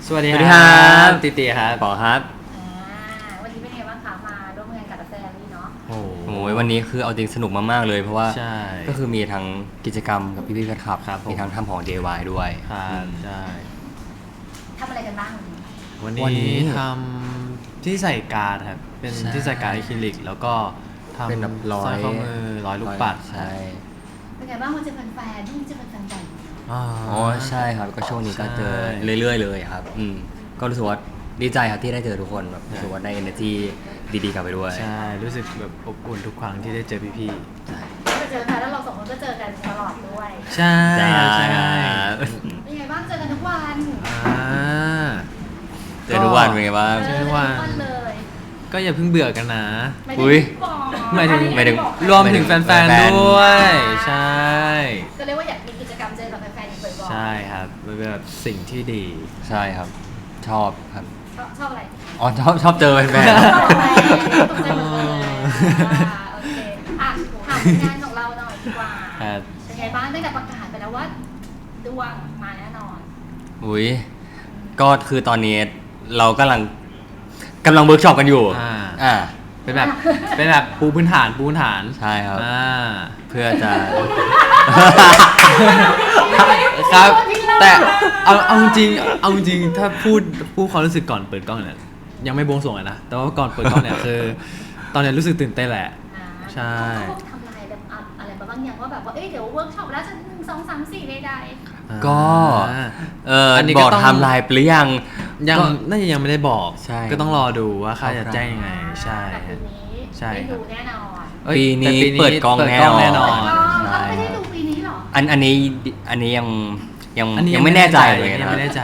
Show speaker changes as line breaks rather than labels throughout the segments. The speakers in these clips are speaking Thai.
สวัสดี
ครั
ครั
บ
ติติครับ
ปอครับ
วันนี้เป็นไงบ้างคะมาร่วมงานกับแฟนนี่เนาะ
โอ้
โอ้ยวันนี้คือเอาจริงสนุกมากๆเลยเพราะว่า
ใช่
ก็คือมีทั้งกิจกรรมกับพี่ๆแฟนคลับ
ครับผม
มีทั้งทำของ DIY ด้วย
ครับใช่
ทำอะไรกันบ้าง
วัน
วันนี้
นี้ทำที่ใส่การ์ดครับเป็น
ใช่
ที่ใส่การ์ดอะคริลิกแล้วก็ทำ
เป็นแบบร้อย
สร้อยข้อมือร้อยลูกปัด
ใช่
เป็นไงบ้างมาเจอแฟนๆที่เจอแฟนๆบ่อย
อ๋อ
อ๋อใช่ครับก็ช่วงนี้ก็เจอ
ใช่
เรื่อยๆเลยครับก็รู้สึกว่าดีใจครับที่ได้เจอทุกคนแบบรู้สึกว่าได้ energy ดีๆกลับไปด้วย
ใช่รู้สึกแบบอบอุ่นทุกครั้งที่ได้เจอพี่
ใช่
มาเจอกันแล้วเราสองคนก็เจอกันตลอดด้วย
ๆใช่
ใช่
ใช่
เป็นไงบ้างเจอกันทุกวัน
อ่า
เจอทุกวันเป็นไงบ้าง
เจอทุกวัน
เลย
ก็อย่าเพิ่งเบื่อกันนะ
อุ๊ย
หมายถึง
บอก
รวมถึงแฟนๆด้วย ใช่
ก็เรียกว่าอยากมีกิจกรรมเจอกับแฟนๆอีกบ่อยๆ
ใช่ครับมันเป็นแบบสิ่งที่ดี
ใช่ครับ ชอบครับ
ชอบอะไร
อ๋อชอบเจอแฟน
ชอบอะไรตกใจหมดเลยโอเคอ่ะถามงานของเราหน่อยดีกว่า
ครับ
เป็นไงบ้างตั้งแต่ประกาศไปแล้วว่าดวงมาแน่นอน
ๆอุ้ยก็คือตอนนี้เรากำลังเวิร์กช็อปกันอยู่ อ่า
เป็นแบบปูพื้นฐาน
ใช่ครับ เพื่อจะ
ครับ แต่เอาจริงถ้าพูดความรู้สึกก่อนเปิดกล้องเนี่ยยังไม่บวงสรวงเลยนะ แต่ว่าก่อนเปิดกล้องเนี่ยคือ ตอนเนี้ยรู้สึกตื่นเต้นแหละ ใช่
เขาทำลายแบบอะไรบางอย่างว่าแบบว่าเดี๋ยวเวิร์กช็อปแล้วจะ1 2 3 4ใด
ก็
อันนี้
บ
ก็
อก
ต้อง
ไทม์ไลน์ไปหรือยัง
ยัง
ก็
น่าจะยังไม่ได้บอก
ใช่
ก็ต้องรอดูว่าค่าจะแจ้งยังไง
ๆ
ใช่
แต่
ค
ปี
รับ
นี้
ใช่
ได้
ครับ
ดูแน่นอน
เอ้ย
ปีนี้
แต่
เปิดกล้องแน่นอน
แน่นอน
เราไม่ได้ดูปีนี้หรอ
อันนี้ยัง
อันนี้
ยังไม่แน่ใจเลย
ยั
นะ
งไม่แน่ใจ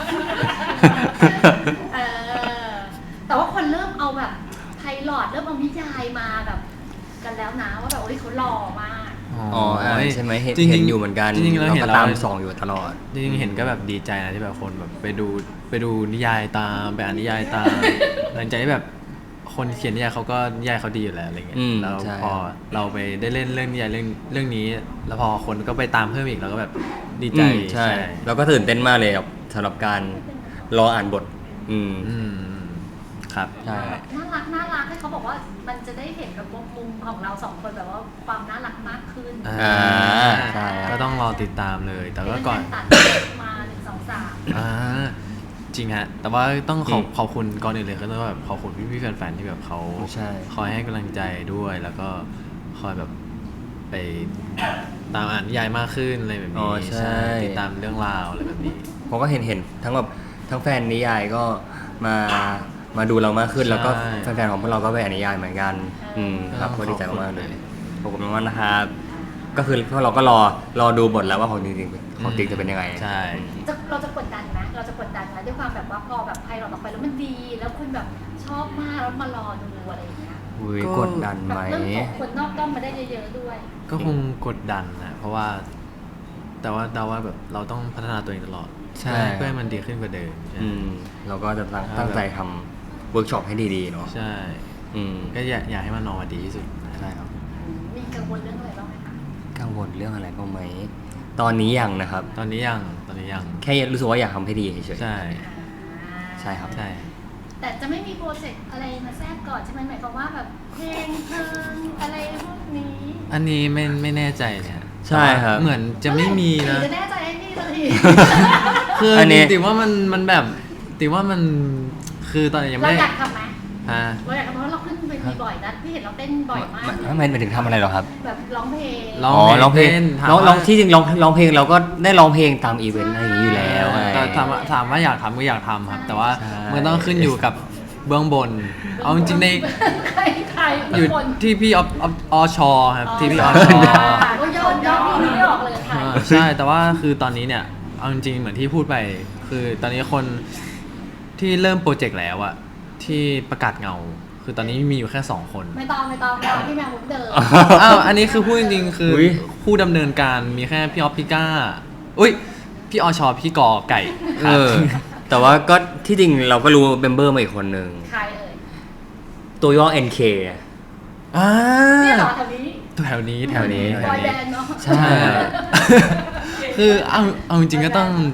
เออแต่ว่าคนเริ่มเอาแบบไพลอตเริ่มเอานิยายมาแบบกันแล้วนะว่าแบบโอ้ยเขาหล่อมาก
อ๋อใช่ไหมเห็น
จริงๆ
เห็นอยู่เหมือนกัน
จริงๆเราเห็น
ก็
แล้ว
ตามส่องอยู่ตลอด
จริงๆเห็นก็แบบดีใจนะที่แบบคนแบบไปดูนิยายตามไปอ่านนิยายตาม หลังจากที่แบบคนเขียนนิยายเขาก็นิยายเขาดีอยู่แล้วอะไรเงี้ย
อืม
แล้ว
ใช่
พอเราไปได้เล่นเรื่องนิยายเรื่องนี้ แล้วพอคนก็ไปตามเพิ่มอีกเราก็แบบดีใจ
ใช่แล้วก็ตื่นเต้นมากเลยครับสำหรับการรออ่านบท
อืมครับ
ใช่
น่ารักให้เขาบอกว่ามันจะได้เห็นกับมุมของเราสองคนแบบว่าความน่ารักมากขึ้น
ใช่
ก็ต้องรอติดตามเลย แต่ว่าก่อน
ตัดมา1 2 3
จริงฮะ แต่ว่าต้องขอบคุณก่อนอื่นเลยก็ต้องแบบขอบคุณพี่ๆแฟนๆที่แบบเขา
ใช่
คอยให้กำลังใจด้วย แล้วก็คอยแบบไปตามอ่านนิยายมากขึ้นอะไรแบบ
อ๋
นี้
อใช่
ติดตามเรื่องราวอะไรแบบนี้
ผมก็เห็นทั้งแบบทั้งแฟนนิยายก็มาดูเรามากขึ้น
ใช่
แล้วก็แฟนๆของพวกเราก็ไปอ่านนิยายเหมือนกันครับก็ดีใจมากๆเลยขอบคุณมากๆนะครับก็คือพวกเราก็รอดูบทแล้วว่าของจริงจะเป็นยังไง
ใช่
เราจะกดดันไหมเราจะกดดันไหมด้วยความแบบว่าพอแบบไพเราออกไปแล้วมันดี แล้วคุณแบบชอบมากแล้วมารอดูอะไรอย่างเงี้ย
อุ้ย
ก็
กดดัน
แบ
ไห
บ
ม
เริ่มส่งคนนอกด้อมมาได้เยอะๆด้วย
ก็คงกดดันนะเพราะว่า แต่ว่าเดาว่าแบบเราต้องพัฒนาตัวเองตลอด
ใช่
เพื่อให้มันดีขึ้นกว่าเดิมใช่
เราก็จะตั้งใจทำเวิร์กช็อปให้ดีๆเนาะ
ใช่ ก็อยากให้มันออกมาดีที่สุดนะ
ใช่ครับ
มีกังวลเรื่องอะไรบ้างไหมคะ
กังวลเรื่องอะไรบ้างไหมตอนนี้ยังนะครับ
ตอนนี้ยัง
แค่รู้สึกว่าอยากทำให้ดีเฉยๆ
ใช่
ใช่ครับ
ใช่
แต่จะไม่มีโปรเจกต์อะไรมาแทรกก่อนใช่ไหมหมายความว่าแบบเพลงอะไรพวกนี้
อันนี้ไม่แน่ใจเนี่ย
ใช่ครับ
เหมือนจะไม่มีนะ
จะแน่ใจให้พี่สักที
คืออน
นี้
ติว่ามันแบบติว่ามันคือตอนนี้ยัง
เรา
ไม่
อยากทำไหม
ฮะ
เราอยากทำเพราะเราขึ้นเวทีบ่อยนะพี่เห็นเราเต้นบ่อยมาก
ทำไมถึงทำอะไรหรอครับ
แบบร้องเพลง
ร้อง
ร้องเพลง
เต้นถาม
ร้อง
ว่า
ที่จริงร้องเพลงเราก็ได้ร้องเพลงตามอีเวนต์อะไรอย่างนี้อยู่แล้วไง
แต่ถามว่าอยากทำก็อยากทำครับ แต่ว่า
ใช่
มันต้องขึ้นอยู่กับเบื้องบน เอาจริงๆใน
ใคร
อยู่
คน
ที่พี่อชครับที่พี่อช
ก็ยอดพี่ไม่ออกเลยใคร
ใช่ แต่ว่าคือตอนนี้เนี่ยเอาจริงๆเหมือนที่พูดไป คือตอนนี้คนที่เริ่มโปรเจกต์แล้วอะที่ประกาศเงา คือตอนนี้มีอยู่แค่2 คน
ไม่ต้องพี่แมวมุกเดิม
อ้าวอันนี้คือพูดจริงๆ คืออย ผู้ดำเนินการมีแค่พี่ออฟพี่ก้า อุ้ย พี่อชพี่กอไก่ค
เอ
รับ
อ แต่ว่าก็ที่จริงเราก็รู้เมมเบอร์มาอีกคนหนึ่ง
ใครเอ่ย
ตัวย่อ NK
อ่า
เนี่ยเหรอแถวนี้
แถวนี้แถวนี้
บอยแบนด์เนาะ
ใช่
คือเอาจริงๆก็ต้อง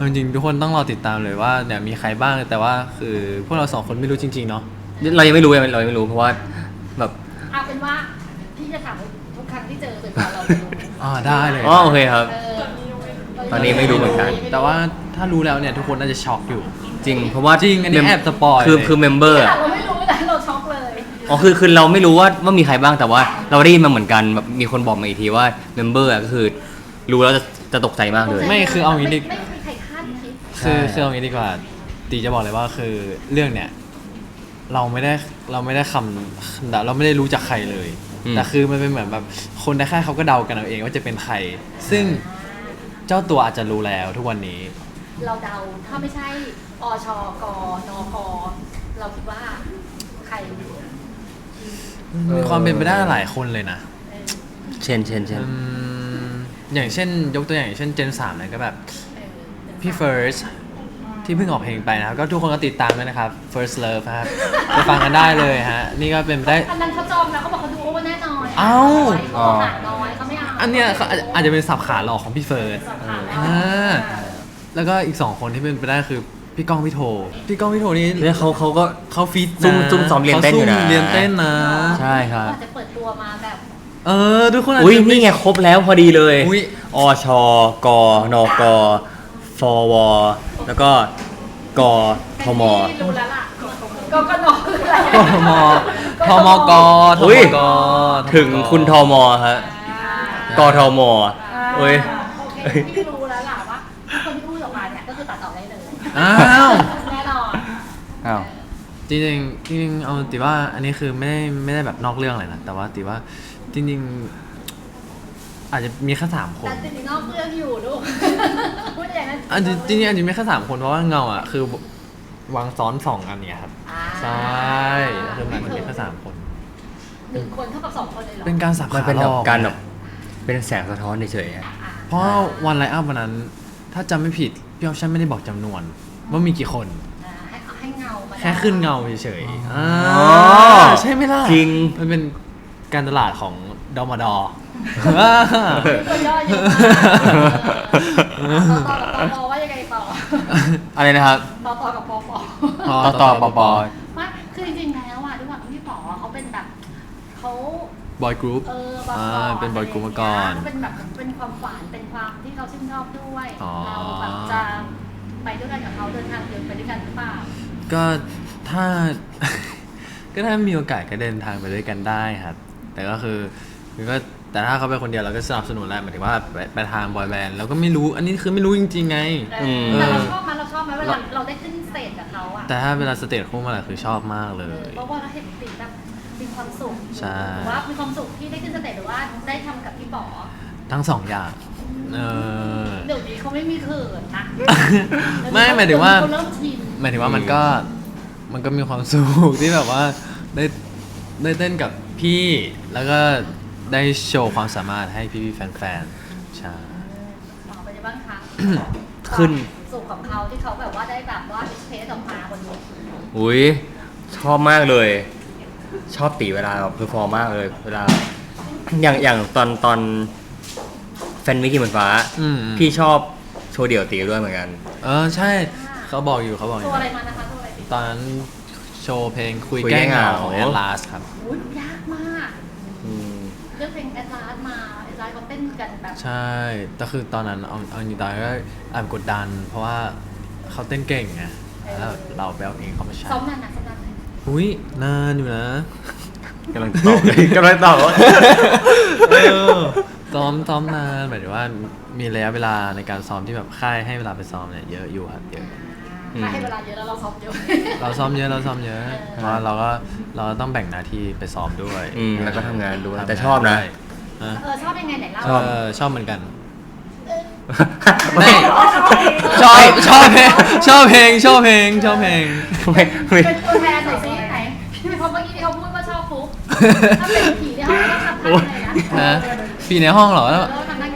เอาจริงๆทุกคนต้องรอติดตามเลยว่าเนี่ยมีใครบ้างแต่ว่าคือพวกเรา2 คนไม่รู้จริงๆเนาะ
เรายังไม่รู้เรายังไม่รู้เพราะว่าแบบ
เอาเป็นว่าพี่จะถามทุกครั้งที่เจอเป็นเราจะรู้
ได้เลย
อ๋อโอเคครับ
เออ
ตอนนี้ไม่รู้เหมือนกัน
แต่ว่าถ้ารู้แล้วเนี่ยทุกคนน่าจะช็อกอยู่
จริงเพราะว่า
จริงอันนี้แอบสปอย
คือเมมเบอร์
แต่เราไม่รู้แต่เราช็อกเลย
อ๋อคือเราไม่รู้ว่ามีใครบ้างแต่ว่าเราได้ยินมาเหมือนกันแบบมีคนบอกมาอีกทีว่าเมมเบอร์ก็คือรู้แล้วจะตกใจมากเลย
ไม่คือเอางี้ดิ
ไม่มีใครคาดคิด
คือเอางี้ดีกว่าตีจะบอกเลยว่าคือเรื่องเนี่ยเราไม่ได้คำเราไม่ได้รู้จากใครเลย แต่คือมันเป็นเหมือนแบบคนในค่ายเขาก็เดากันเอาเองว่าจะเป็นใคร ซึ่งเจ้าตัวอาจจะรู้แล้วทุกวันนี้
เราเดาถ้าไม่ใช่อชกนคเราคิดว่าใคร
มีความเป็นไปได้หลายคนเลยนะ
เช่น
อย่างเช่นยกตัวอย่างเช่นเจน3เนี่ยก็แบบพี่เฟิร์สที่เพิ่งออกเพลงไปนะครับก็ทุกคนก็ติดตามด้วยนะครับ First Love นะครับไปฟังกันได้เลยฮะนี่ก็เป็นไปได้
อันนั้นเขาจองแล้วเขาบอกเขาดูโอเวอร์แน่นอน
เอ้า
เขาหาน้อยเขาไม่เอา
อันเนี้ยเขาอาจจะเป็นสับขาหลอกของพี่เฟิร์ส แล้วก็อีก2 คนที่เป็นไปได้คือพี่ก้องพี่โทนี่
แล้วเขาก็
เขาฟีด
ซุ่มซ้อมเรียนเต้นอยู่นะ
ขาซุ่มเรียนเต้นนะ
ใช่ครับ
อาจจะเปิดตัวมาแบบ
ทุกคนอาจ
อุ้ย
จะม่
นี่ไงครบแล้วพอดีเลย
อุ๊ย
อชกนกฟวแล้วก็กทม
ที่รู้แล้วล่ะก็นคืออะไร
ทมทมกท
อุ๊
ม
ย
ก
ถึงคุณทมฮะกทมเอ้ย
โอเคพี่รู้แล้วล่ะว่าคนที่พูดออกมาเนี่ยก็คือตัดต่อได้เลย
อ้าว
แน่นอน
อ้าว
จริงๆเอาติว่าอันนี้คือไม่ได้แบบนอกเรื่องอะไรนะแต่ว่าติว่าจริงๆอาจจะมีแค่3 คน
แต่จริงๆนอกเรื่องอยู่ดูพูดอย่างนั้น
จริงๆอาจจะมีแค่3 คนเพราะว่าเงาอ่ะคือวางซ้อน2 อันเนี่ยครับใช่คือมันมีแค่3 คน
1 คนเท่ากับ2 คนเลยเหรอ
เป็นการสับ
มัน
ขา
เป็น
หล
แบบ
อก
การแบบเป็นแสงสะท้อนเฉยๆอะ
เพราะวันไลน์อัพวันนั้น ถ้าจำไม่ผิดพี่ออฟชั่นไม่ได้บอกจำนวน ว่ามีกี่คน
ให้เงามา
แค่ขึ้นเงาเฉยๆใช่ไหมล่ะ
จริง
มันเป็นการตลาดของดมด
ตัวย่อเยอะมากต่อกับปอว่ายังไงต่อ
อะไรนะครับ
ต่อกับปอ
ต่อปอ
ว่าคือจริงๆแล้วอ่ะด้วยความที่พี่ป๋อเขาเป็นแบบเขา
บอยกรุ๊ป เป็นบอยกรุ๊ปมาก่อน
เป็นแบบเป็นความฝันเป็นความที่เขาชื่นชอบด้วย
อ๋อ
เราแบบจะไปด้วยกันกับเขาเดินทางเดินไปด้วยกันหรือเปล่า
ก็ถ้า ก็ถ้ามีโอกาสก็เดินทางไปด้วยกันได้ครับ แต่ก็คือก็แต่ถ้าเขาไปคนเดียวเราก็สนับสนุนแหละหมายถึงว่าไปทางบอยแบนด์เราก็ไม่รู้อันนี้คือไม่รู้จริงๆไง
แต่เราชอบไหมเวลาเราได้ขึ้นสเตจกับเขาอ่ะ
แต่ถ้าเวลาสเตจคู่มาแหละคือชอบมากเลย
เพราะว่าเราเห็นตีแบบมีความสุข
ใช่
หรือว่ามีความสุขที่ได้ขึ้นสเตจหรือว่าได้ทำกับพี่ป๋อ
ทั้ง2 อย่าง
เดี๋ยวนี้เขาไม่มีเขินนะ
ไม่หมายถึงว่า
เขเริ่มชิน
หมายถึงว่ามันก็มีความสุขที่แบบว่าได้เต้นกับพี่แล้วก็ได้โชว์ความสามารถให้พี่ๆแฟนๆใช่
ต่อไปในบ้างคะ
ขึ้น
สุขของเขาที่เขาแบบว่าได้แบบว่าดิสเพลย์ออกมาบนนี้
อุ้ยชอบมากเลย ชอบตีเวลาแบบเพอร์ฟอร์มมากเลยเวลาอย่างตอนแฟนมิกกี้เหมือนฟ้า พี่ชอบโชว์เดี่ยวตีด้วยเหมือนกัน
ใช่เขาบอกอยู่
ตัวอะไรมานะคะตัวอะไรติด
ตอนนั้นโชว์เพลงคุย
คุย
แก้
แก้
เหงา
เหงา
แอดลาสครับ
อุ้ยยากมาก
อืม
เลือกเพลงแอดลาสมาแอดลาสเขาเต้นกันแบบ
ใช่แต่คือตอนนั้นเอาจริงๆตอนนั้นก็แอบกดดัน เพราะว่าเขาเต้นเก่งไงแล้วเราไปเอาเองเขามาใช้
ซ้อมนานนะซ้อมนานไหม
อุ้ยนานอยู่นะ
กำลังตอบเลยกำลังตอบว่า
ซ้อมนานหมายถึงว่ามีระยะเวลาในการซ้อมที่แบบค่ายให้เวลาไปซ้อมเนี่ยเยอะอยู่ครับเยอะ
ถ้าให้เวลาเยอะแล้วเราซ้อมเยอะ
เราซ้อมเยอะเพราะว่าเราก็ต้องแบ่งหน้าที่ไปซ้อมด้วย
แล้วก็ทำงานด้วยแต่ชอบนะ
ชอบยังไงไหนเล่า
ชอบเหมือนกัน
ไม่
ชอบเพลง
ไม่
เป็นตัวแทนหน่อยสิไหนพี่เพราะเมื่อกี้ที่เขาพูดว่าชอบฟุ๊กถ้าเป็นผีเนี่ยเขาต้องทำท่าอะไรนะ
ฮะปีในห้องเหรอแล้ว
ทำได้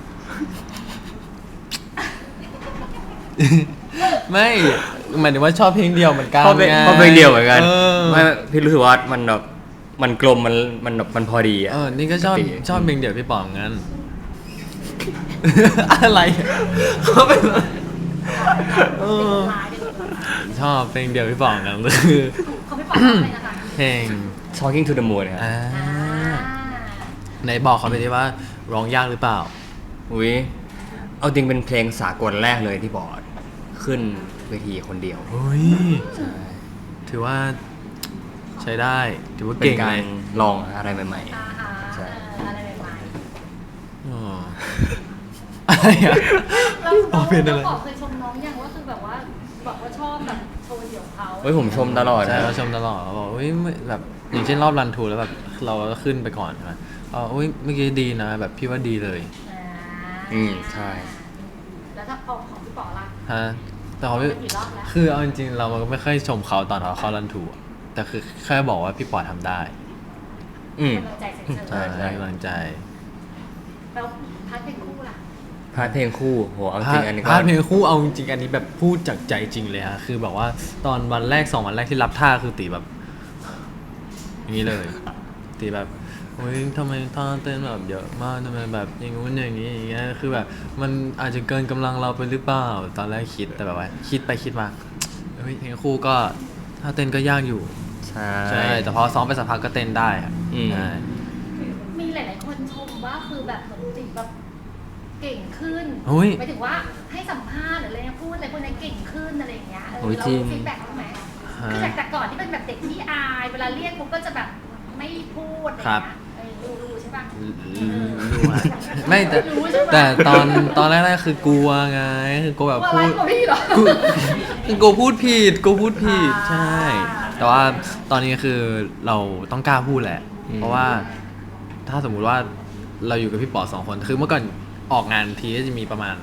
ไม่หมายถึงว่าชอบเพลงเดียวเหมือนกัน
เพราะเพลงเดียวเหมือนกัน
เออ
ไม่พี่รู้สึกว่ามันแบบมันกลมมันพอดีอ่ะ
นี่ก็ชอบ
ปกติ
เพลงเดียวพี่ป๋องงั้น อะไรเขาเป็นเออ
ร้ายเด็กร้าย
ชอบเพลงเดียวพี่ป๋องกันคือ
เขาไม่ปล่อยร้องเลยนะคะ
เพลง
Talking to the Moon ครับ
อ่า
อ่า
ไหนบอกเขาไปดิว่าร้องยากหรือเปล่า
อุ้ยเอาจริงเป็นเพลงสากลแรกเลยที่บอร์ดขึ้นเวทีคนเดียว
เฮ้ย
ใช่
ถือว่าใช้ได้ถือว่า
เป็น
เก่ง
กา
เล
ร
ย
ลองอะไรใหม่
อ่าฮะ
ใช่
อะไรใหม่
อ๋ออะไรอะ
ๆแล้ว
อ๋อเป็นอะไร
บอกเคยชมน้องยังว่าคือแบบว่าบอกว่าชอบแบบโชว์เดี่ยวเขา
ๆเฮ้ยผมชมตลอด
ใช่
นะ
เราชมตลอดเราบอกเฮ้ยแบบอย่างเช่นรอบรันทูแล้วแบบเราก็ขึ้นไปก่อนใช่ไหมเฮ้ยเมื่อกี้ดีนะแบบพี่ว่าดีเลย
อ่า
ใช่
แล้วถ้าของพี่ป๋อล่ะ
ฮะแต่เขาไม่
กี่รอบแล้ว
คือเอาจริงๆเราก็ไม่ค่อยชมเขาตอนเขาเข้ารันทูอะแต่คือแค่บอกว่าพี่ปอทำได้
อืม
กำลังใจเฉยๆ
ใช่
ให้กำลังใจ
แล้วพัดเป็นคู่ล่ะ
พาร์ทเพลงคู่โหเอาจริงอันนี้ก็
พาร์ทเพลงคู่เอาจริงๆอันนี้แบบพูดจากใจจริงเลยฮะคือแบบว่าตอนวันแรก2 วันแรกที่รับท่าคือตีแบบ อย่างนี้เลยตีแบบโอ้ยทำไมท่าเต้นแบบเยอะมากทำไมแบบอย่างงู้นอย่างนี้อย่างเงี้ยคือแบบมันอาจจะเกินกำลังเราไปหรือเปล่าตอนแรกคิดแต่แบบว่าคิดไปคิดมาเฮ้ยเพลงคู่ก็ท่าเต้นก็ยากอยู่
ใช่
ใช่แต่พอซ้อมไปสักพักก็เต้นได้อะ
อืม
ใช่
มีหลายๆคนชมว่าคือแบบเหมือนติแบบเก่งขึ้น
เฮ้ย
หมายถึงว่าให้สัมภาษณ์หรืออะไรเงี้ยพูดอะไรพวกนี้เก่งขึ้นอะไรอย่างเงี้ย
โอ้ย
เรา
จริง
ฟีดแบ็กเขาไหมคือจากแต่ก่อนที่เป็นแบบเด็กที่อายเวลาเรียกปุ๊บก็จะแบบไม่พูดอะไรเงี้ยรู้ใช่ปะ
รู้อะไม่แต่
รู้ใช่ปะ
แต่ตอนแรกๆคือกลัวไงคือกลัวแบบ
ว่าอะไร
พูด
กว่าพี่เหรอ
กูพูดผิดกูพูดผิด
อ่า
ใช่ แต่ว่าตอนนี้คือเราต้องกล้าพูดแหละ เพราะว่าถ้าสมมุติว่าเราอยู่กับพี่ป๋อ2 คนคือเมื่อก่อนออกงานทีก็จะมีประมาณ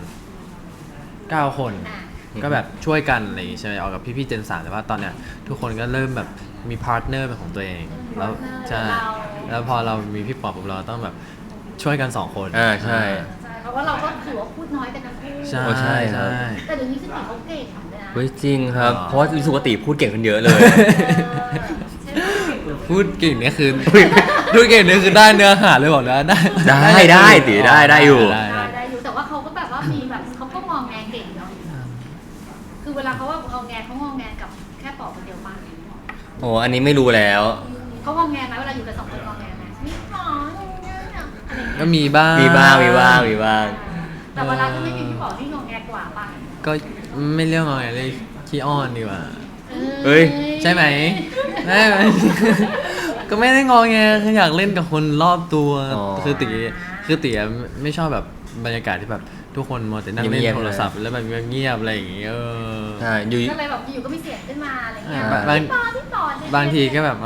9 คน
อ่ะ
ก็แบบช่วยกันอะไรอย่างงี้ใช่ไหมออกกับพี่ๆเจน3แต่ว่าตอนเนี้ยทุกคนก็เริ่มแบบมีพาร์ทเนอร์เป็นของตัวเอง แล้วใช่แล้วพอเรามีพี่ป๋อปุ๊บเราต้องแบบช่วยกัน2 คน
อ่าใช่
ใช่เพราะว่าเราก็ถือว่าพูดน้อยกันทั้งคู่
ใช่
โอ้ใช่ครั
ใช่
บ
แต่เดี๋ยวนี้คือติเขาเก่งเลยนะ
เฮ้ยจริงครับ
อ๋อ
เพราะว่ารู้สึกว่าตีพูดเก่งขึ้นเยอะเลย
ใช่ไหม
พูดเก่งเนี่ยคือพูดเก่งเนี่ยคือได้เนื้อหาเลยบอกนะได้
ได้ตีได้อยู่
ได้อยู่แต่ว่าเขาก็แบบว่ามีแบบเขาก็มองแงเก่งเนาะคือเวลาเขาว่างอแงเขางอแงกับแค่ปอกคนเดียวป่ะ
โอ้อันนี้ไม่รู้แล้ว
เขางอแงไหมเวลาอยู่กับ2 คนงอแงไหมมีหมออะไรอย่างเงี้ย
ก็มีบ้าง
มีบ้างมีบ้างมีบ้าง
แต่เวลาที่ไม่มีพี่ปอกที่งอแงกว่าป่ะ
ก็ไม่เรียกว่าไงเลยขี้อ้อนดีกว่า
เฮ้ย
ใช่ไหมไม่ไหม ก็ไม่ได้งอแงคืออยากเล่นกับคนรอบตัว
อ๋อ
คือตีอะไม่ชอบแบบบรรยากาศที่แบบทุกคนมัวแต่นั่งเล่
เงีย
น
บๆ
โทรศัพท์แล้วแบบเงียบๆอะไรอย่างเงี้ย
ใช่อยู่
ก็เลยแบบอยู่ก็มีเสียงขึ้นมาอะไรเงี้ย พี่ปอเนี่ย
บางทีก็แบบว่า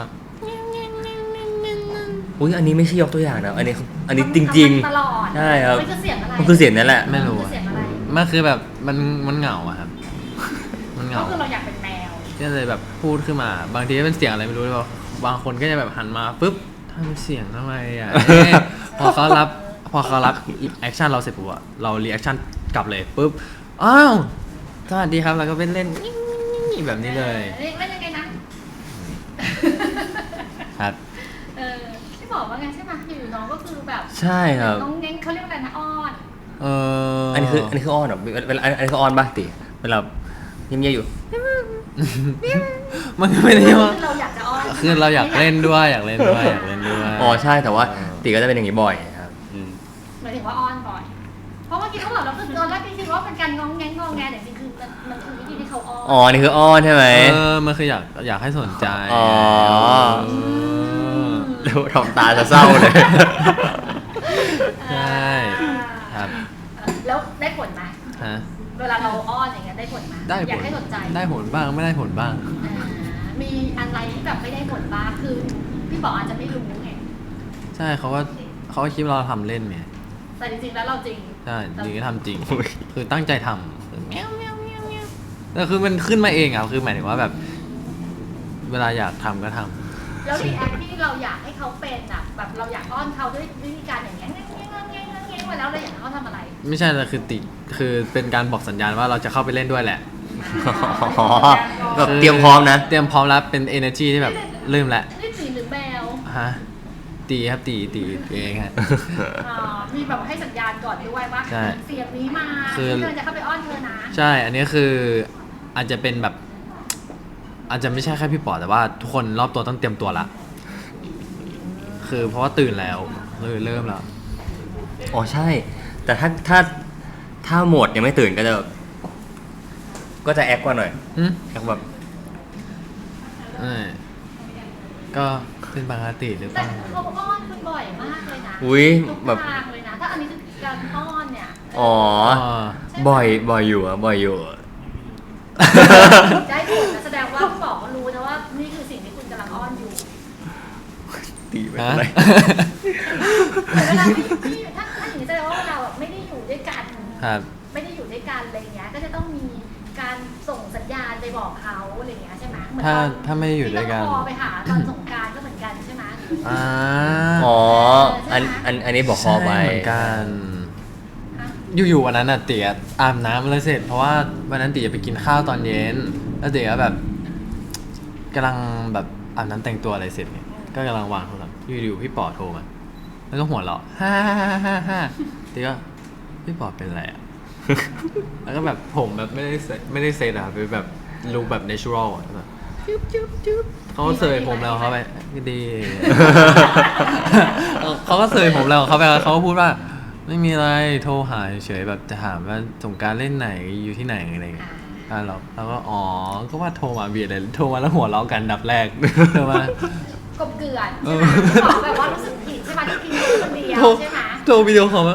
อุ้ยอันนี้ไม่ใช่ยกตัวอย่างนะอันนี้จริง
ตลอด
ใช่ครับ
มันคือเสียงอะไร
ๆมันคือเสียงนั่นแหละ
ไม่รู้
มันคือเสียงอะไร
มันคือแบบมันเหงาอะครับ มันเห
ก็
งา
คือเราอยากเป็นแมว
ก็เลยแบบพูดขึ้นมา บางทีก็เป็นเสียงอะไรไม่รู้เลยว่าบางคนก็จะแบบหันมาปุ๊บทำเสียงทำไมอ่ะ พอเขารับแอคชั่นเราเสร็จปุ๊บอะเรารีแอคชั่นกลับเลยปุ๊บอ้าวสวัสดีครับแล้วก็เป็นเล่นแบบนี้เลย
เล่นยังไงนะ
ครับ
ที่บอกว่าไงใช่ไหมอยู่น้องก็คือแบบ
ใช่ครับ
น้องเง้งเขาเรียกว่าอะไรนะอ้อน
อันนี้คืออ้อนเหรอเวลาอันนี้คืออ้อนป่ะตีเวลาเงียบๆอยู่
มันก็ไม่ได้ว่า
เราอยากจะอ้อน
คือเราอยากเล่นด้วยอยากเล่นด้วย
อ๋อใช่แต่ว่าตีก็จะเป็นอย่างนี้บ่อยครับอืม
หมายถึงว่าอ้อนบ่อยเพราะเมื่อกี้เขาบอกเราคือตอนแรกพี่คิดว่าเป็นการงองแงงงอแงแต่จริงๆคือมันคือวิธีที่เขาอ้อน
อ๋อนี่คืออ้อนใช่ไหม
มันคืออยากให้สนใจ
อ๋อ
เออ
แล้วทำตาจะเศร้าเลย
ใช่ครับ
แล้วได้ผลไหม
ฮะ
เวลาเราอ้อนอย่างเงี้ยได้ผลไหม
ได้
อยา
ผ
ก
ล
ให้สนใจ
ได้ผลบ้างไม่ได้ผลบ้าง
มีอะไรที่แบบไม่ได้ผลบ้างคือพี่บอกอาจจะไม่รู้ไง
ใช่เขาก็คิดว่าเราทำเล่นไง
แต่จริงๆแล้วเราจริง
ใช่จริงก็ทำจริง คือตั้งใจทำคือแมวแมวแมวแมวแต่คือมันขึ้นมาเองอ่ะคือหมายถึงว่าแบบ เวลาอยากทำก็ทำ
แล้วรีแอคที่เราอยากให้เขาเป็นอ่ะแบบเราอยากอ้อนเขาด้วยวิธีการอย่างเงี้ยเงี้ยเงี้ยเงี้ยเงี้ยมาแล้วเราอยากให้เขาทำอะไร
ไม่ใช่แต่คือเป็นการบอกสัญญาณว่าเราจะเข้าไปเล่นด้วยแหละ
อ๋อแบบเตรียมพร้อมนะ
เตรียมพร้อมแล้วเป็น energy ที่แบบลืมแล้ว
นี่สีหรือแมว
ฮะตีครับตีเองฮะ
มีแบบให้สัญญาณก่อนด้วยว่า
ใช่
เสียงนี้มา
คือ
เธอจะเข้าไปอ้อนเธอนะ
ใช่ อันนี้คืออาจจะเป็นแบบ อาจจะไม่ใช่แค่พี่ปอแต่ว่าทุกคนรอบตัวต้องเตรียมตัวละ คือเพราะว่าตื่นแล้วเลยเริ่มแล้ว
อ๋อใช่ แต่ถ้าโหมดยังไม่ตื่นก็จะแอคกว่าหน่อย
อืม
แอคแบบ
ก็เป็นปกติหรือเป
แต่
ล่า
เขาอ้อนคุณบ่อยมากเลยนะ
อุ๊ย
ทุก
แบบ
ทางเลยนะ ถ้าอันนี้คือการอ้อนเนี่ย
อ๋อ บ่อยอยู่อะบ่อยอยู่อะ
ได้ผลนะแสดงว่าพี่บอกเขารู้นะว่านี่คือสิ่งที่คุณกำลังอ้อนอยู่
ตีไป
ฮะ
อะไร
แต่เวลาที่ถ้าอย่างนี้แสดงว่าเราไม่ได้อยู่ด้วยกัน
ครับ
ไม่ได้อยู่ด้วยกันอะไรเงี้ย ก็จะต้องมีการส่งสัญญาณไปบอกเขาอะไรเงี้ยใช่ไหมเหมือนตอน
ถ้าไม่ได้อยู่ด้วยกัน
ที่ต้องคอไปหาตอนสงกรานต์ก็เหมือนกันใช่ไหม
อ่า
อ๋อ
ใช่ไหม
อันนี้บอกคอไป
ใช่เหมือนกัน
ฮะ
อยู่ๆวันนั้นน่ะเตี๋ยอาบน้ำแล้วเสร็จ เพราะว่าวันนั้นเตี๋ยไปกินข้าวตอนเย็น แล้วเตี๋ยแบบกำลังแบบอาบน้ำแต่งตัวอะไรเสร็จเนี่ยก็กำลังวางโทรศัพท์อยู่ๆพี่ปอโทรมาแล้วก็หัวเราะฮ่าเตี๋ยก็พี่ปอเป็นอะไรอ่ะ แล้วก็แบบผมแบบไม่ได้เซตอะเป็นแบบลุคแบบ natural อะแบบจุ๊บเขาก็เสยผมแล้วเขาไปดี เขาก็เสยผมแล้วเขาไปเขาก็พูดว่า ไม่มีอะไรโทรหาเฉยๆแบบจะถามว่าสงกรารเล่นไหนอยู่ที่ไหนอะไรเงี้ยแล้วก็อ๋อก็ว่าโทรมาเบียดเลยโทรมาแล้วหัวเราะกันดับแรก โทรมาก
บเกลื่อนใช่ไหมบอกแบบว่ารู้สึกผิดใช่ไหมที่กินคนเดียว
โทร
ใช่ไหม
โทรวิดีโอคอลมา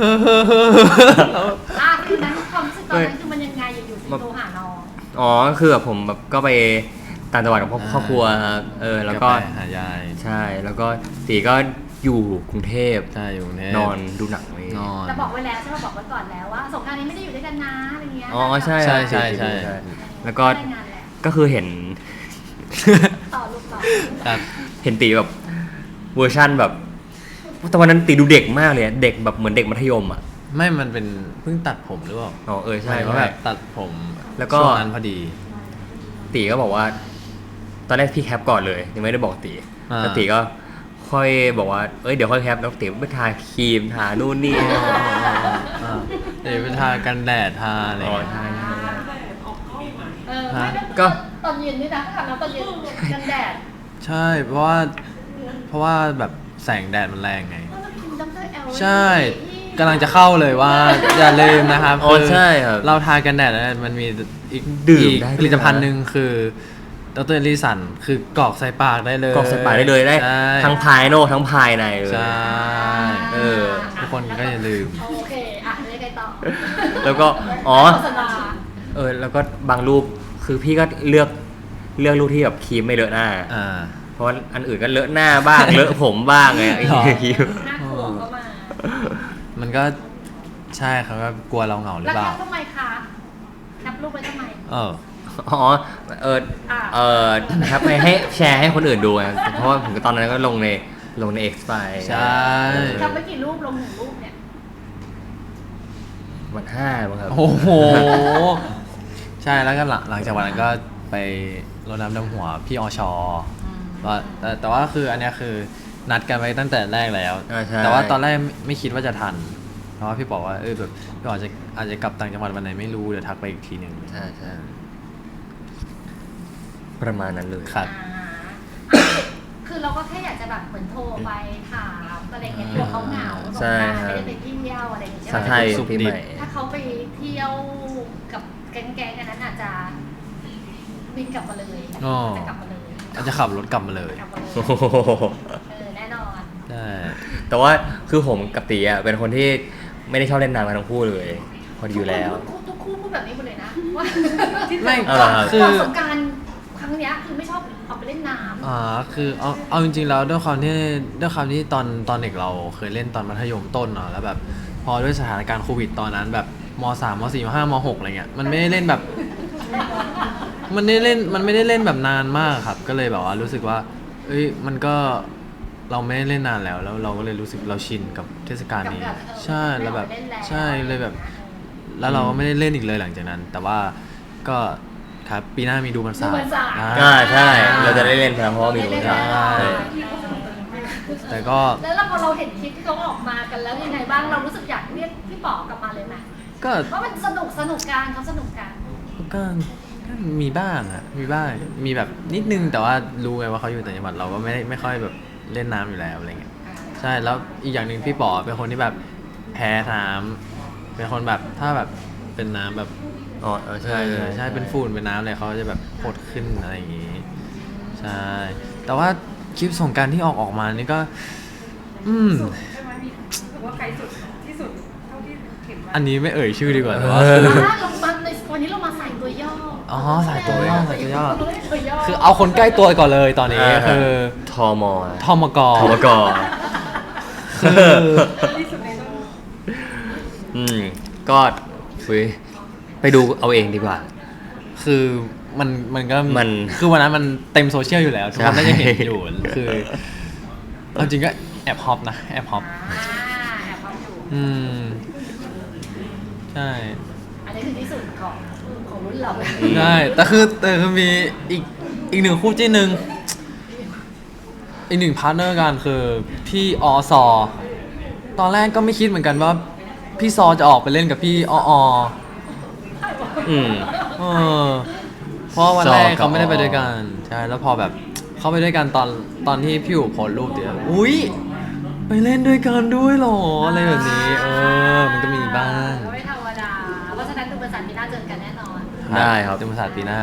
คือนั้นความรู้สึกตอนนั้นคือมันยังไงอยู่ๆถึงโทรหาน้อง
อ๋อคือแบบผมแบบก็ไปต่างจังหวัดกับครอบครัวครับแล้วก็
หายาย
ใช่ แล้วก็ตีก็อยู่กรุงเทพ
ใช่อยู่กรุงเทพ
นอนดูหนังเลย
นอน
แต่บอกไว้แล้วใช่ไหมบอกไว้ก่อนแล้วว่าสงกรานต์นี้ไม่ได้อยู่ด้วยกันนะอะไรเงี้ย
อ๋อใช่
ใช่
ครับ
ใช่
แล้วก็
ได้งานแหละ
ก็คือเห็น
ต่อลูกต่อ
ครับ
เห็นตีแบบเวอร์ชั่นแบบแต่วันนั้นตีดูเด็กมากเลยอะเด็กแบบเหมือนเด็กมัธยมอ่ะ
ไม่มันเป็นเพิ่งตัดผมหรือเปล่า
อ๋อใช่
หมายว่า
ใช่
แบบตัดผม
แล้วก็
ช่วงนั้นพอดี
ตีก็บอกว่า ตอนแรกพี่แคปก่อนเลยยังไม่ได้บอกตี
อ่า
แล้วตีก็ค่อยบอกว่าเดี๋ยวค่อยแคปแล้วตีไปทาครีมทานู่นนี่
เดี๋ยวไปทากันแดดทาอะไร
อ๋อ
เงี้ย
ใช่ใช่ใช่
ไม่
ก็
ตอนเย็นนี่นะทำแล้วตอนเย็นกันแดด
ใช่เพราะว่าแบบแสงแดดมันแรงไง
ดรแอล
ใช่กำลังจะเข้าเลยว่า อย่าลืมนะครับ
อ๋อใช่ครับ
เราทากันแดดแล้วมันมีอีก
ดื่ม
อีก
ได้ด้วยนะ
ผลิตภัณฑ์หนึ่งคือดรลิสันคือกรอกใส่ปากได้เลย
กรอกใส่ปากได้เลยได้
ใช่
ทั้งภายนอกทั้งภายในเลย
ใช่
เออ
ทุกคนก็อย่าลืม
โอเคเรียกไงต่อ
แล้วก็อ๋อ
โฆษณา
แล้วก็บางรูปคือพี่ก็เลือกรูปที่แบบครีมไม่เลอะหน้า
อ่า
เพราะว่าอันอื่นก็เลอะหน้าบ้าง เลอะผมบ้างไงไอ้
หรอ
ครีม
น่ากลัวก็มา
มันก็ใช่เขาก็กลัวเราเหงาหรือ
แล้ว
เปล่า
แคปทำไมคะแคปรูปไว้ทำไม
อ๋อนะครับให้แชร์ให้คนอื่นดูไงเพราะว่าผมตอนนั้นก็ลงใน X ไป
ใช่
แคปไว้กี่รูปลงหนึ่งรูปเนี่ย
วัน5มั้งครับ
โอ้โห ใช่แล้วก็หลังจากวันนั้นก็ไปรดน้ำดำหัวพี่อชว่าแต่ว่าคืออันเนี้ยคือนัดกันไว้ตั้งแต่แรกแล้ว
ใช่
แต่ว่าตอนแรกไม่คิดว่าจะทัน เพราะว่าพี่บอกว่าแบบพี่บอกอาจจะกลับต่างจังหวัดวันไหนไม่รู้เดี๋ยวทักไปอีกทีหนึ่ง
ใช่ประมาณนั้นเลย
ครับ
คือเราก็แค่อยากจะแบบเหมือนโทรไปถามอะไรเงี้ยกลัวเขาเหงาสง
ใช่
กรานต์
ครับ
ไม่ได้ไปเที่ยวอะไรอย่างเงี้ย
ใช่
ใช่ไหม
ปีใหม่
ถ้าเขาไปเที่ยวกับแก๊งๆกันนั้นอาจจะบินกลับมาเลย
อ๋อ
จะกลับมาเลย
อาจจะขับรถกลับมาเลย
กลับมาเลย
โอ้โห
แน่นอน
ใช่
แต่ว่าคือผมกับตีอ่ะเป็นคนที่ไม่ได้ชอบเล่นน้ำกันทั้งคู่เลยพอดีอยู่แล้ว
ทุกคู่พูดแบบนี้หมดเลยนะว่า
ไม่
เอาเหรอครับ
คือ
ก่อนสงกรารครั้งเนี้ยคือไม่ชอบออกไปเล่นน้ำ
คือเอาจริงๆแล้วด้วยความที่ตอนเด็กเราเคยเล่นตอนมัธยมต้นเนาะแล้วแบบพอด้วยสถานการณ์โควิดตอนนั้นแบบม3ม4ม5ม6อะไรเงี้ยมันไม่ได้เล่นแบบ มันไม่ได้เล่นแบบนานมากครับ ก็เลยแบบว่ารู้สึกว่า เอ้ยมันก็เราไม่ได้เล่นนานแล้วเราก็เลยรู้สึกเราชินกับเทศกาลนี้ ใช่แล้วแบบใช่เลยแบบ แล้วเราก็ไม่ได้เล่นอีกเลยหลังจากนั้น แต่ว่าก็ครับปีหน้ามีดูมันสา
ดูมันสาด
อ่า
ใช่เราจะได้เล่นเพราะว่ามีรู้จัก
ใช่
แ
แต่ก็
แล้วพอเราเห็นคลิปที่เขาออกมากันแล้วยังไงบ้างเรารู้สึกอยากเรียกพี่ป๋อกลับมาเลยไหม
ก็
ว่ามันสนุกกันเขาสนุกกัน
ก็มีบ้างอะมีบ้างมีแบบนิดนึงแต่ว่ารู้ไงว่าเขาอยู่ต่างจังหวัดเราก็ไม่ค่อยแบบเล่นน้ำอยู่แล้วอะไรเงี้ยใช่แล้วอีกอย่างหนึ่งพี่ป๋อเป็นคนที่แบบแพ้น้ำเป็นคนแบบถ้าแบบเป็นน้ำแบบ
อ๋อใช่
ใช่เป็นฝุ่นเป็นน้ำอะไรเขาจะแบบโคตรขึ้นอะไรอย่างงี้ใช่แต่ว่าคลิปสงกรารที่ออกมานี่ก็
ใช่ไหมมีถือว่าไกลสุดที่สุดเท่าที่เห็นมา
อันนี้ไม่เอ่ยชื่อดีกว่าแต่ว่า
เรามาในวันนี้เรามาใส่ตัวย่อ
อ๋อใส่ตัวย่อใส่ตัวย่อ
ตัวย่อ
คือเอาคนใกล้ตัวก่อนเลยตอนนี้คือ
ทอมอ
ทมก
ทอมก
คือ
ที่สุดในโลก
ก็ไปดูเอาเองดีกว่า
คือมันก็
มัน
คือวันนั้นมันเต็มโซเชียลอยู่แล้วทุกคน
ใช่
น่าจะเห็นอยู่คือเอาจริงก็แอบฮอปนะแอบฮอป
แอบความอยู่
อืมใช่
อันนี้คือที่สุดของรุ่นเรา
ใช่แต่คือมีอีกหนึ่งคู่จิ้นหนึ่งอีกหนึ่งพาร์ทเนอร์กันคือพี่อซอตอนแรกก็ไม่คิดเหมือนกันว่าพี่ซอจะออกไปเล่นกับพี่อ
อืม
เออเพราะวันแรก
ซอกับ
เขาไม่ได้ไปด้วยกันใช่แล้วพอแบบเขาไปด้วยกันตอนที่พี่อู๋โพสต์รูปเดียวอุ้ยไปเล่นด้วยกันด้วยเหรออะไรแบบนี้มันก็มีบ้าง
ไม่ธรรมดาเพราะฉะนั้นดูบริษัทมีหน้าเจอกันแน่นอน
ได้ครับ
ธรรมศาสตร์ปีหน้า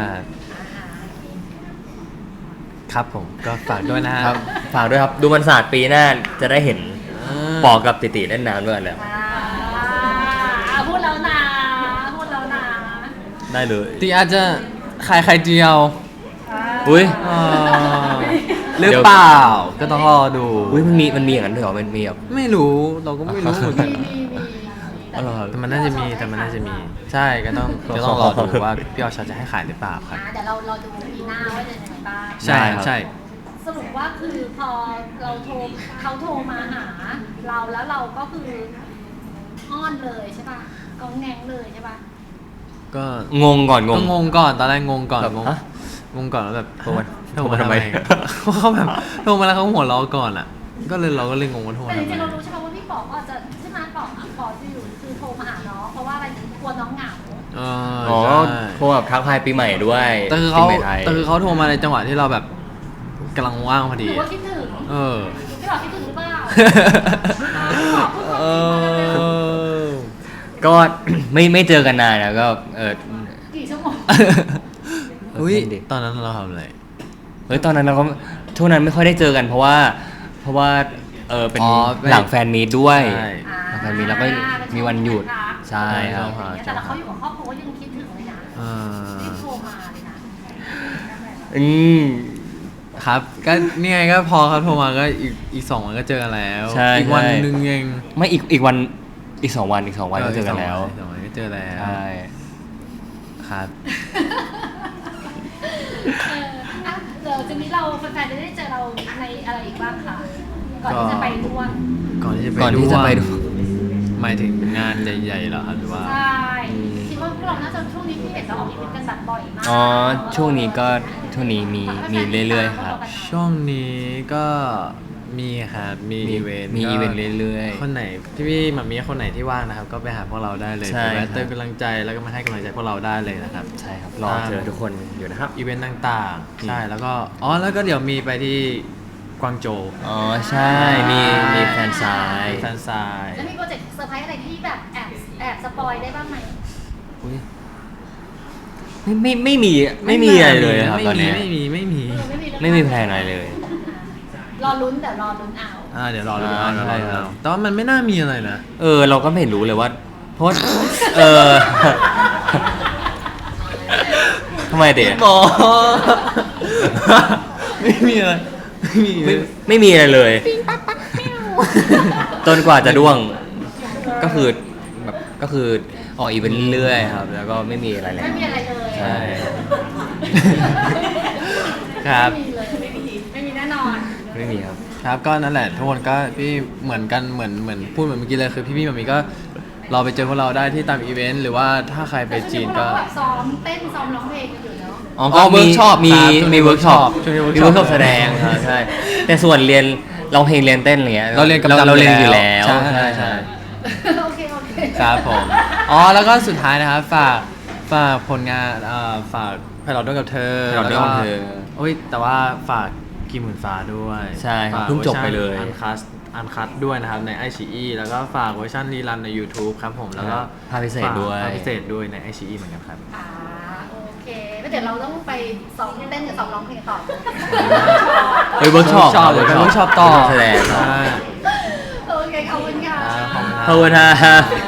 ครับผมก็ฝากด้วยนะ
ครับฝากด้วยครับดูมันศาสตร์ปีหน้าจะได้เห็นปอกับติติเล่นน้ำด้วยกันแล้ว
พูดแล้วนะพูดแล้วนะ
ได้เลย
ตีอาจจะขายไข่เจียว
อุ้ย
หรือเปล่าก็ต้องรอดู
อุ้ยมันมีอย่างนั้นด้วยเหรอมันมีแบบ
ไม่รู้เราก็ไม่รู้เหมือนกัน
มี
อ๋อเหรอ
แต่มันน่าจะมีใช่ก็ต้องรอดูว่าพี่ออชจะให้ขายหรือเปล่าครับ
เดี๋ยวเราดูปีหน้าว่าจะยังไงบ้าง
ใช่ใช่
สรุปว่าคือพอเขาโทรมาหาเราแล้วเราก็คืออ้อนเลยใช่ป่ะกองแงงเลยใช่ป่ะ
ก็
งงก่อนง
ก็
ง
งงก่อนตอนแรกงงก่อน
แบบ
งง
ฮะ
งงก่อนแล้วแบบ
โทรมา
โทรมาทำไม
โทรมาทำไม
เขาแบบโทรมาแล้วเขาหัวเราะก่อนอ่ะก็เลยเราก็เลยงงว่าโทร
แต่
มา
จ
ทำไม
ริงๆเรารู้ใช่ไหมว่าพี่ป๋องอาจจะใช่ไหมป๋องจะอยู่คือโทรมาหาน้องเพราะว่าอะไรกลัวน้องเหงา
อ๋อ
ใช่
โทรแบบทักทายปีใหม่ด้วย
แต่คือ
ปี
เขา
ใหม่ไทย
โทรมาในจังหวะที่เราแบบกำลังว่างพอ
ห
ดี
รือว่าคิดถึง
เออ
พี่ป๋องคิดถึงหรือเปล่า
เออ
ก็ ไม่เจอกันนานนะก็
กี่ชั่วโมง
อุ้ย
ดิ
ตอนนั้นเราทำอะไร
เฮ้ยตอนนั้นเราก็ช่วงนั้นไม่ค่อยได้เจอกันเพราะว่าเป็น
อ๋อ
หลังแฟนมีตด้วย
ใช่
หลังแฟนมีตแล้วก็มีวันหยุดใช่ครับ
แต่เราเขาอยู่กับครอบครัวยังคิดถึงเลยนะ
เออ
รีบโทรมาเลยนะ
อืม
ครับก็นี่ไงก็พอเขาโทรมาก็อีก2 วันก็เจอกันแล้ว
ใช่
อีกวัน
ใช่
หนึ่งเอง
ไม่อีกวันอีก2 วันก็เจอกันแล้ว
อีกสองวันก็เจอแล้ว
ใช่
ครับ
อ่ะเดี๋ยวจะมีเราแฟนๆจะได้เจอเราในอะไรอีกบ้างคะก่อนที่จะไปด้วน
ก่อนที่จะไป
ก่อนที่จะไปดู
หมายถึงงานใหญ่ๆเหรอครับหรือว่า
ใช่คิดว่าพวกเราน่าจะช่วงนี้พี่เห็นเราออกอีเวนต์กันแบบบ่อยมาก
อ๋อช่วงนี้มีเรื่อยๆครับ
ช่วงนี้ก็มีครับมีอีเวนต์
มีอีเวนต์เรื่อยๆ
คนไหนพี่ๆมามีคนไหนที่ว่างนะครับ ก็ไปหาพวกเราได้เลย
ใช่
ไปแวะ
ครับ
เติมกำลังใจแล้วก็มาให้กำลังใจพวกเราได้เลยนะครับ
ใช่ครับรอเจอทุกคนอยู่นะครับ
อีเวนต์ต่างๆใช่แล้วก็แล้วก็เดี๋ยวมีไปที่กวางโจว
อ๋อใช่มีแฟนซาย
แฟนซาย
แล้วมีโปรเจกต์เซอร์ไพรส์อะไรที่แบบแอบสปอยได้บ้างไหม
อุ๊ย
ไม่มีอะไรเลยครับตอนนี้
ไม่มี
เออ
ไม่มีแพลนอะไรเลย
รอลุ้นแต่รอลุ้นเอา
เดี๋ยวรอดู
ใช่ครับ
แต่ว่ามันไม่น่ามีอะไรนะ
เราก็ไม่รู้เลยว่าเพราะทำไมเด็ก
หมอไม่มีอะไร
ไม่มีอะไรเลย จนกว่าจะด้วง ก็คือออกอีเวนต์เรื่อยๆครับ แล้วก็ไม่มีอะไรแล้ว
ไม่มีอะไรเลย
ใช่
ครับ
ไม่มีเลยไม่มีแน่นอน
ไม่มีครับ
ครับก็นั่นแหละทุกคนก็พี่เหมือนกันเหมือนพูดเหมือนเมื่อกี้เลยคือพี่ๆแบบนี้ก็เราไปเจอพวกเราได้ที่ตามอีเวนต์หรือว่าถ้าใครไปจีนก็
แต่ซ้อมเต้นซ้อมร้องเพลงกันอยู่เนาะ
ก็ workshop
มี
ครับช่วงนี้
มีเวิร์กช็อป
ช่วงนี้
มีเวิร์กช็อปแสดงครับใช่แต่ส่วนเรียนร้องเพลงเรียนเต้นอะไรเงี้ย
เราเรียนกำลัง
เราเรียนอยู่แล้ว
ใช่ใช่
โอเคโอเค
ครับผมอ๋อแล้วก็สุดท้ายนะครับฝากผลงานฝากไพลอตด้วยกับเธอ
Pilot ด้วยกับเธอ
โอ้ยแต่ว่าฝากกิมหมื่นฟ้าด้วย
ใช่ครับ
ฝาก
เพิ่งจบไปเลย
อันคัสด้วยนะครับใน iQIYI แล้วก็ฝากเวอร์ชันรีรันใน YouTube ครับผมแล้วก็
ภาพพิเศษด้วย
ภาพพิเศษด้วยใน iQIYI เหมือนกันครับ
อ่าโอเคแล้วเดี๋ยวเราต้องไปซ้อมเต้นกับซ้อมร้องเพลงต่อ
เฮ้ยเวิร์กช็อป
เลยไปเวิร์กช็อปต่อ
แสดง
ใช่
โอเคขอบคุณค่ะ
ขอบคุณครับ
ขอบคุณครับ